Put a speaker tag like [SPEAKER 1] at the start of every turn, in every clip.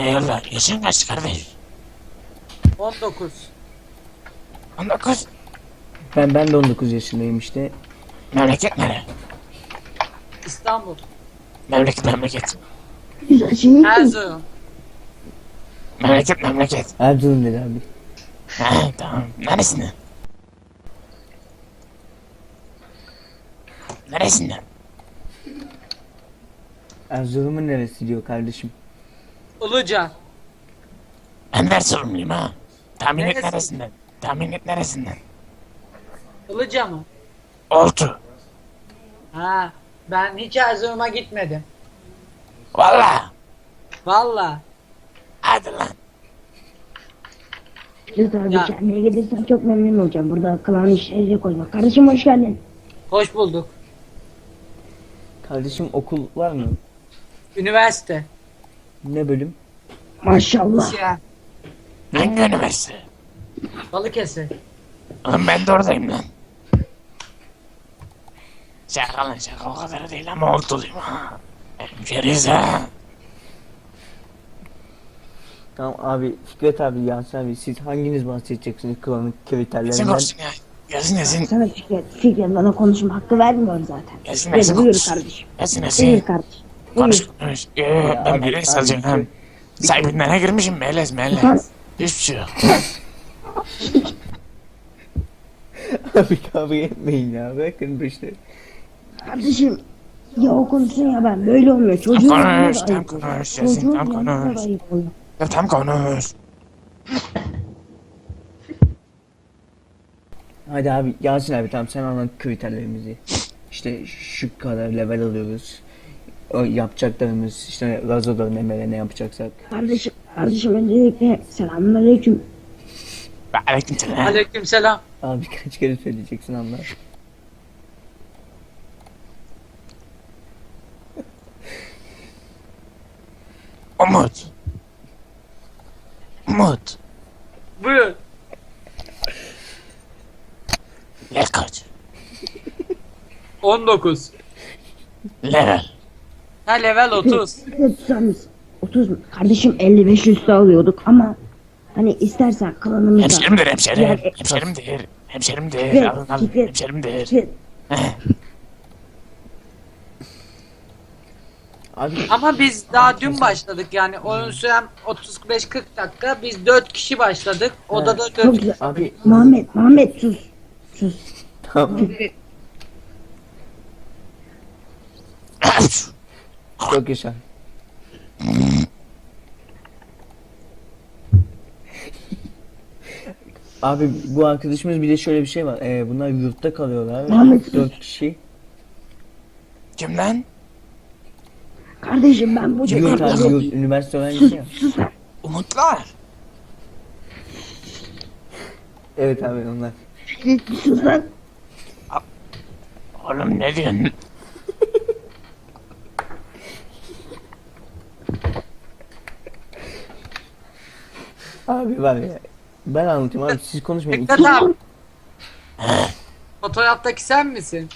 [SPEAKER 1] Eyvallah. Yaşın kaç kardeş?
[SPEAKER 2] 19.
[SPEAKER 1] 19.
[SPEAKER 3] Ben de 19 yaşındayım işte.
[SPEAKER 1] Memleket nere?
[SPEAKER 2] İstanbul.
[SPEAKER 1] Memleket.
[SPEAKER 4] Güzel şey mi?
[SPEAKER 2] Erzurum.
[SPEAKER 1] Memleket.
[SPEAKER 3] Erzurum dedi abi.
[SPEAKER 1] Ha tamam. Neresinden? Neresinden?
[SPEAKER 3] Erzurum'un neresi diyor kardeşim.
[SPEAKER 2] Ilıca.
[SPEAKER 1] Ben de Erzurumluyum ha. Tahmin et
[SPEAKER 2] Neresi?
[SPEAKER 1] neresinden? Tahmin et neresinden?
[SPEAKER 2] Ilıca mı?
[SPEAKER 1] Oltu.
[SPEAKER 2] Ha. Ben hiç Erzurum'a gitmedim.
[SPEAKER 1] Valla.
[SPEAKER 2] Valla.
[SPEAKER 1] Hadi lan.
[SPEAKER 4] Güzel abi
[SPEAKER 2] Ya.
[SPEAKER 4] kendine gelirsen çok memnun olacağım. Burada kalan işleri koyma. Kardeşim hoş geldin.
[SPEAKER 2] Hoş bulduk.
[SPEAKER 3] Kardeşim okul var mı?
[SPEAKER 2] Üniversite.
[SPEAKER 3] Ne bölüm?
[SPEAKER 4] Maşallah.
[SPEAKER 2] Ya.
[SPEAKER 1] Hangi üniversite?
[SPEAKER 2] Balıkesir.
[SPEAKER 1] Oğlum ben de oradayım lan. Şaka lan şaka o kadar değil ama oltuluyum ha. Hemşeriyiz ha.
[SPEAKER 3] Tamam abi Fikret abi Yasin abi siz hanginiz bahsedeceksiniz klanın
[SPEAKER 1] Yazın
[SPEAKER 3] kriterlerinden?
[SPEAKER 1] olsun ya. Yazın.
[SPEAKER 4] Sana Fikret bana konuşma hakkı vermiyor zaten.
[SPEAKER 1] Yazın
[SPEAKER 4] Buyur
[SPEAKER 1] konuş.
[SPEAKER 4] kardeşim.
[SPEAKER 1] Yazın.
[SPEAKER 4] Buyur kardeşim.
[SPEAKER 1] Konuş
[SPEAKER 4] Buyur.
[SPEAKER 1] konuş.
[SPEAKER 3] Ya
[SPEAKER 1] Ben
[SPEAKER 3] abi,
[SPEAKER 1] melez
[SPEAKER 3] abi,
[SPEAKER 1] alacağım ha. Sahibinden ne girmişim melez. Hiçbir şey yok.
[SPEAKER 3] Abi kavga etmeyin ya bırakın bu işleri.
[SPEAKER 4] Kardeşim ya o konuşsun ya ben böyle olmuyor. Çocuğun
[SPEAKER 1] Tam
[SPEAKER 4] yanında
[SPEAKER 1] konuş,
[SPEAKER 4] da
[SPEAKER 1] tam
[SPEAKER 4] ayıp oluyor.
[SPEAKER 1] konuş, Yasin,
[SPEAKER 4] Çocuğun
[SPEAKER 1] tam
[SPEAKER 4] yanında
[SPEAKER 1] konuş.
[SPEAKER 4] da ayıp oluyor.
[SPEAKER 1] Ya tam konuş.
[SPEAKER 3] Hadi abi Yasin abi tamam sen anlat kriterlerimizi. İşte şu kadar level alıyoruz. O yapacaklarımız işte Razo'da ne yapacaksak.
[SPEAKER 4] Kardeşim öncelikle selamünaleyküm.
[SPEAKER 1] Ve aleykümselam.
[SPEAKER 2] Aleykümselam.
[SPEAKER 3] Abi kaç kere söyleyeceksin Allah.
[SPEAKER 1] Umut.
[SPEAKER 2] Buyur.
[SPEAKER 1] Yaş kaç?
[SPEAKER 2] 19.
[SPEAKER 1] Level.
[SPEAKER 2] Ha level 30.
[SPEAKER 4] Tutarız. 30 mu? Kardeşim 55 üstü alıyorduk ama hani istersen klanımıza.
[SPEAKER 1] Hemşerimdir hemşerim.
[SPEAKER 4] Yani-
[SPEAKER 1] Hemşerimdir.
[SPEAKER 4] Fikret,
[SPEAKER 1] Alın alın.
[SPEAKER 4] Fikret,
[SPEAKER 1] Hemşerimdir.
[SPEAKER 4] Fikret.
[SPEAKER 3] Abi
[SPEAKER 2] Ama biz daha dün başladık yani oyun süren 35-40 dakika. Biz 4 kişi başladık. Odada 4
[SPEAKER 4] Çok
[SPEAKER 2] kişi.
[SPEAKER 4] güzel.
[SPEAKER 3] abi
[SPEAKER 4] Muhammed sus. Sus.
[SPEAKER 3] tamam çok yaşa. Abi bu arkadaşımız bir de şöyle bir şey var. Bunlar yurtta kalıyorlar.
[SPEAKER 4] Muhammed-
[SPEAKER 3] 4 kişi.
[SPEAKER 1] Kim lan?
[SPEAKER 4] Kardeşim ben bu
[SPEAKER 3] Yurt abi
[SPEAKER 4] sus,
[SPEAKER 3] yurt. Üniversite öğrencisi ya.
[SPEAKER 4] sus.
[SPEAKER 1] Umutlar.
[SPEAKER 3] Evet abi onlar.
[SPEAKER 4] Fikret sus lan.
[SPEAKER 1] Oğlum ne diyorsun?
[SPEAKER 3] Abi var ya. Ben anlatayım abi siz konuşmayın.
[SPEAKER 2] Fikret abi. Fotoğraftaki sen misin?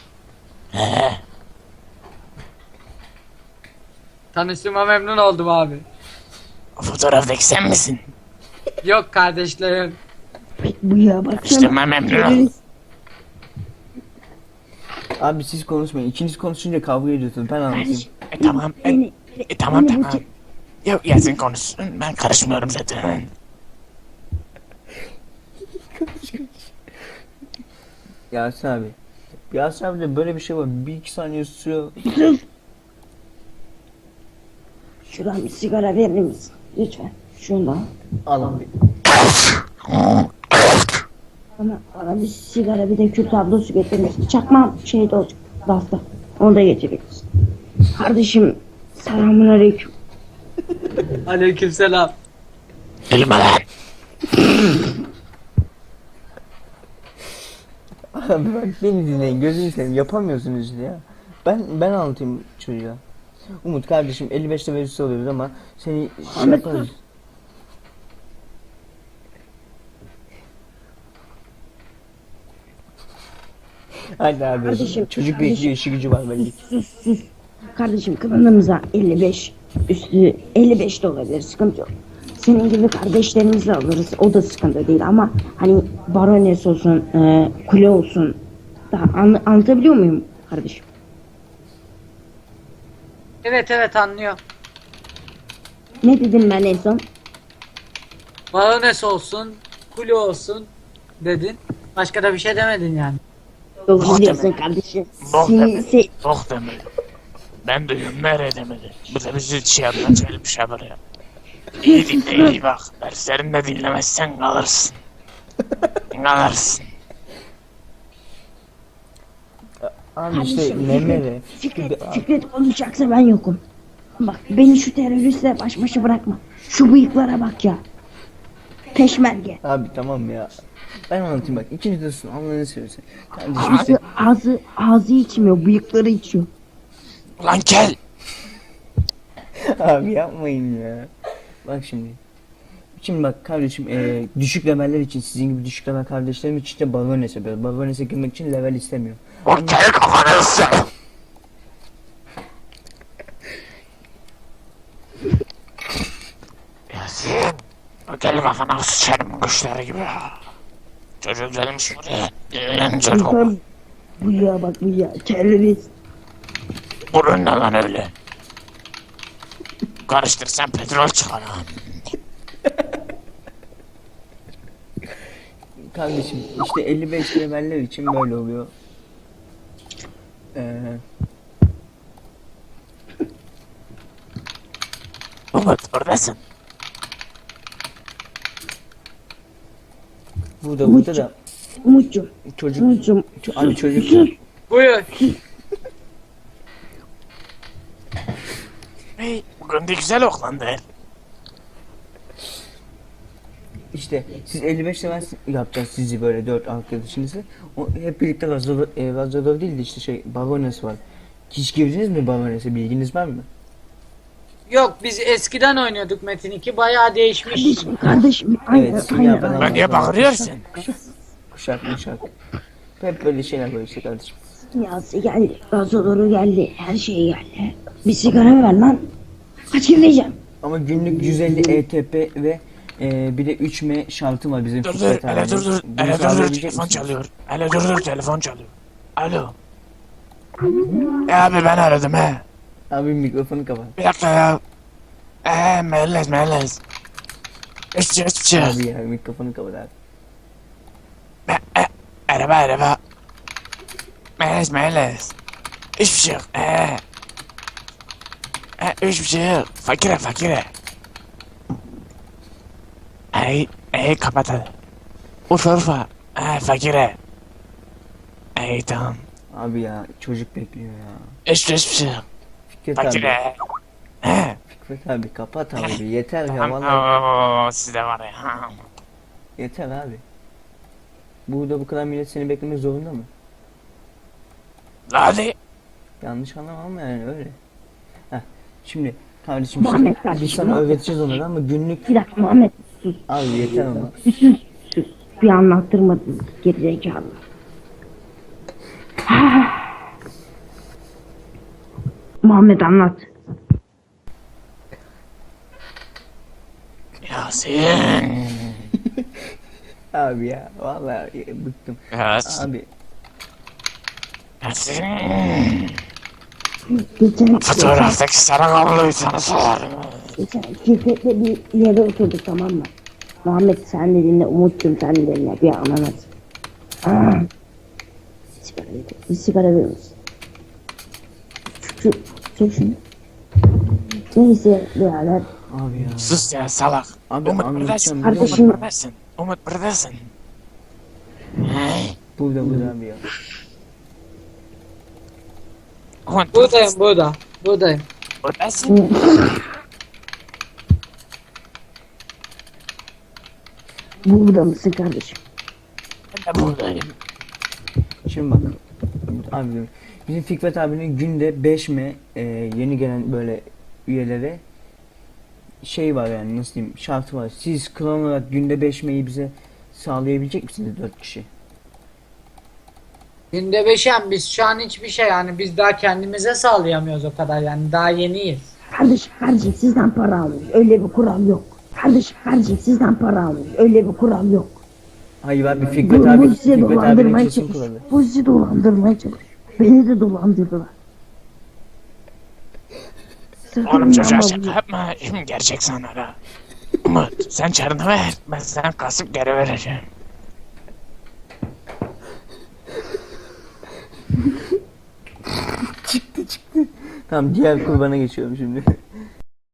[SPEAKER 2] Tanıştığıma memnun oldum abi.
[SPEAKER 1] O fotoğraftaki sen misin?
[SPEAKER 2] Yok kardeşlerim.
[SPEAKER 4] Bu ya baksana.
[SPEAKER 1] Tanıştığıma memnun oldum.
[SPEAKER 3] Abi siz konuşmayın. İkiniz konuşunca kavga ediyorsunuz. Ben anlatayım.
[SPEAKER 1] Tamam.
[SPEAKER 4] Beni,
[SPEAKER 1] Tamam
[SPEAKER 4] beni bu
[SPEAKER 1] tamam. Yok Yasin konuşsun. Ben karışmıyorum zaten.
[SPEAKER 3] Yasin abi. Yasin abi de böyle bir şey var. 1-2 saniye sürüyor.
[SPEAKER 4] Şuradan bir sigara verir misin? Lütfen. Şundan.
[SPEAKER 3] Al abi.
[SPEAKER 4] Bana bir sigara bir de kül tablosu getirir misin? Çakmam şeyde olacak. Rafta. Onu da getirir misin? Kardeşim selamünaleyküm.
[SPEAKER 2] Aleykümselam.
[SPEAKER 1] Gülme lan.
[SPEAKER 3] Abi bak beni dinleyin. Gözünü seveyim. Yapamıyorsunuz ya. Ben anlatayım çocuğa. Umut kardeşim 55'te verisi alıyoruz ama seni şey
[SPEAKER 4] Ahmet
[SPEAKER 3] yaparız. Hadi abi.
[SPEAKER 4] Kardeşim,
[SPEAKER 3] Çocuk
[SPEAKER 4] kardeşim.
[SPEAKER 3] bekliyor işi gücü var belli.
[SPEAKER 4] Sus. Kardeşim klanımıza 55 Üstü 55 de olabilir, sıkıntı yok. Senin gibi kardeşlerimizle alırız, o da sıkıntı değil ama hani barones olsun, kule olsun. Daha anlatabiliyor muyum kardeşim?
[SPEAKER 2] Evet evet anlıyor.
[SPEAKER 4] Ne dedim ben en son?
[SPEAKER 2] Barones olsun, kule olsun dedin. Başka da bir şey demedin yani.
[SPEAKER 4] Doğru diyorsun kardeşim.
[SPEAKER 1] Bok
[SPEAKER 4] Seni
[SPEAKER 1] demedi. Bok demedi. Ben duyuyorum nereye demedi. Bu da bizi şey yapacak bir şey buraya. İyi dinle iyi bak. Derslerini de dinlemezsen kalırsın. Kalırsın.
[SPEAKER 3] Abi işte
[SPEAKER 4] Kardeşim,
[SPEAKER 3] Nemere.
[SPEAKER 4] Fikret konuşacaksa ben yokum. Bak beni şu teröristle baş başa bırakma. Şu bıyıklara bak ya. Peşmerge.
[SPEAKER 3] Abi tamam ya. Ben anlatayım bak. İkinci dostum Allah'ını seversen. Kardeşim işte
[SPEAKER 4] Ağzı içmiyor, bıyıkları içiyor.
[SPEAKER 1] Ulan kel.
[SPEAKER 3] abi yapmayın ya. Bak şimdi. Şimdi bak kardeşim düşük leveller için sizin gibi düşük level kardeşlerim için de Barones yapıyor. Barones'e girmek için level istemiyor.
[SPEAKER 1] O kel kafanı ısır. Yasin. O kel kafana sıçarım kuşları gibi ya. Çocuk gelmiş buraya. Gelen çocuk.
[SPEAKER 4] Bu ya bak bu ya terörist.
[SPEAKER 1] Burun ne lan öyle? Karıştırsan petrol çıkar ha.
[SPEAKER 3] Kardeşim işte 55 leveller için böyle oluyor.
[SPEAKER 1] Umut buradasın.
[SPEAKER 3] Burada da
[SPEAKER 4] Umut'cum.
[SPEAKER 3] çocuk
[SPEAKER 4] Umut'cum.
[SPEAKER 3] abi çocuk
[SPEAKER 2] Buyur.
[SPEAKER 1] Hey, bugün de güzel oklandı.
[SPEAKER 3] işte siz 55 level yapacağız sizi böyle 4 arkadaşınızı. O, hep birlikte Razorov değil de işte şey Barones var. Hiç girdiniz mi Barones'e bilginiz var mı?
[SPEAKER 2] Yok biz eskiden oynuyorduk Metin 2 bayağı değişmiş.
[SPEAKER 4] Kardeşim.
[SPEAKER 3] Evet, sinyal ben
[SPEAKER 1] Ben niye bağırıyorsun?
[SPEAKER 3] Kuşak. Hep böyle şeyler böyle işte kardeşim.
[SPEAKER 4] Yası geldi, gazoları geldi, her şey geldi. Bir sigara ver lan. Kaç vereceğim?
[SPEAKER 3] Ama günlük 150 ETP ve bir de 3M şartı var bizim
[SPEAKER 1] Dur
[SPEAKER 3] Fikret
[SPEAKER 1] dur, hele
[SPEAKER 3] abinin.
[SPEAKER 1] dur dur,
[SPEAKER 3] Bunu
[SPEAKER 1] hele dur dur,
[SPEAKER 3] sağlayabilecek
[SPEAKER 1] telefon
[SPEAKER 3] misin?
[SPEAKER 1] çalıyor. Hele dur dur, telefon çalıyor. Alo. Abi ben aradım he.
[SPEAKER 3] Abi mikrofonu kapat.
[SPEAKER 1] Bir dakika ya. Melez. Hiçbir şey.
[SPEAKER 3] Abi ya mikrofonu kapat abi.
[SPEAKER 1] Araba. Melez. Hiçbir şey yok. Hiçbir şey yok. Fakire. Kapat hadi. Urfa. Fakire. Tamam.
[SPEAKER 3] Abi ya çocuk bekliyor ya.
[SPEAKER 1] Hiçbir şey yok.
[SPEAKER 3] Fikret abi.
[SPEAKER 1] Fakire.
[SPEAKER 3] Fikret abi kapat abi yeter ya
[SPEAKER 1] Tamam.
[SPEAKER 3] vallahi
[SPEAKER 1] Sizde var ya.
[SPEAKER 3] yeter abi. Burada bu kadar millet seni beklemek zorunda mı?
[SPEAKER 1] Hadi.
[SPEAKER 3] Yanlış anlamam ama yani öyle. Heh, şimdi kardeşim
[SPEAKER 4] Muhammed
[SPEAKER 3] biz
[SPEAKER 4] kardeşim,
[SPEAKER 3] sana
[SPEAKER 4] Muhammed.
[SPEAKER 3] öğreteceğiz onları ama günlük
[SPEAKER 4] Bir dakika Muhammed. Sus.
[SPEAKER 3] abi yeter ama.
[SPEAKER 4] Sus. Bir anlattırmadın gerizekalı. Muhammed anlat.
[SPEAKER 1] Yasin.
[SPEAKER 3] Abi ya vallahi bıktım.
[SPEAKER 1] Yasin.
[SPEAKER 3] Abi
[SPEAKER 1] Yasin.
[SPEAKER 4] Geçen
[SPEAKER 1] Fotoğraftaki sarı kabloyu sana sorarım.
[SPEAKER 4] Fikret'le bir yere oturduk tamam mı? Muhammed sen de dinle, Umut'cum sen de dinle. Bir anlat. Bir sigara verir misin? Çek şunu. Neyse birader.
[SPEAKER 3] abi ya.
[SPEAKER 1] Sus ya salak.
[SPEAKER 3] Abi
[SPEAKER 1] Umut
[SPEAKER 3] anlatacağım
[SPEAKER 1] buradasın.
[SPEAKER 3] biliyor
[SPEAKER 4] Kardeşim.
[SPEAKER 3] musun?
[SPEAKER 1] Umut buradasın. Hey.
[SPEAKER 3] Burada abi ya.
[SPEAKER 1] Umut
[SPEAKER 2] Buradayım.
[SPEAKER 1] buradasın.
[SPEAKER 4] Burada mısın kardeşim?
[SPEAKER 1] Ben de buradayım.
[SPEAKER 3] Şimdi bak. Abi bizim Fikret abinin günde 5M yeni gelen böyle üyelere şey var yani nasıl diyeyim şartı var. Siz klan olarak günde 5M'yi bize sağlayabilecek misiniz 4 kişi?
[SPEAKER 2] Günde 5'em biz şu an hiçbir şey yani biz daha kendimize sağlayamıyoruz o kadar yani daha yeniyiz.
[SPEAKER 4] Kardeşim sizden para almış. Öyle bir kural yok. Kardeşim sizden para almış. Öyle bir kural yok.
[SPEAKER 3] Hayır abi
[SPEAKER 4] Bu,
[SPEAKER 3] Fikret
[SPEAKER 4] bu
[SPEAKER 3] abi,
[SPEAKER 4] sizi
[SPEAKER 3] Fikret abinin
[SPEAKER 4] dolandırmaya
[SPEAKER 3] kesin
[SPEAKER 4] çalışıyor.
[SPEAKER 3] kuralı.
[SPEAKER 4] Bu sizi dolandırmaya çalışıyor. Beni de dolandırdılar.
[SPEAKER 1] Oğlum çocuğa
[SPEAKER 4] Sırtımdan
[SPEAKER 1] şaka yapma. Şimdi gerçek sana la. Umut sen çarını ver. Ben sana kasıp geri vereceğim.
[SPEAKER 3] Tamam diğer kurbana geçiyorum şimdi.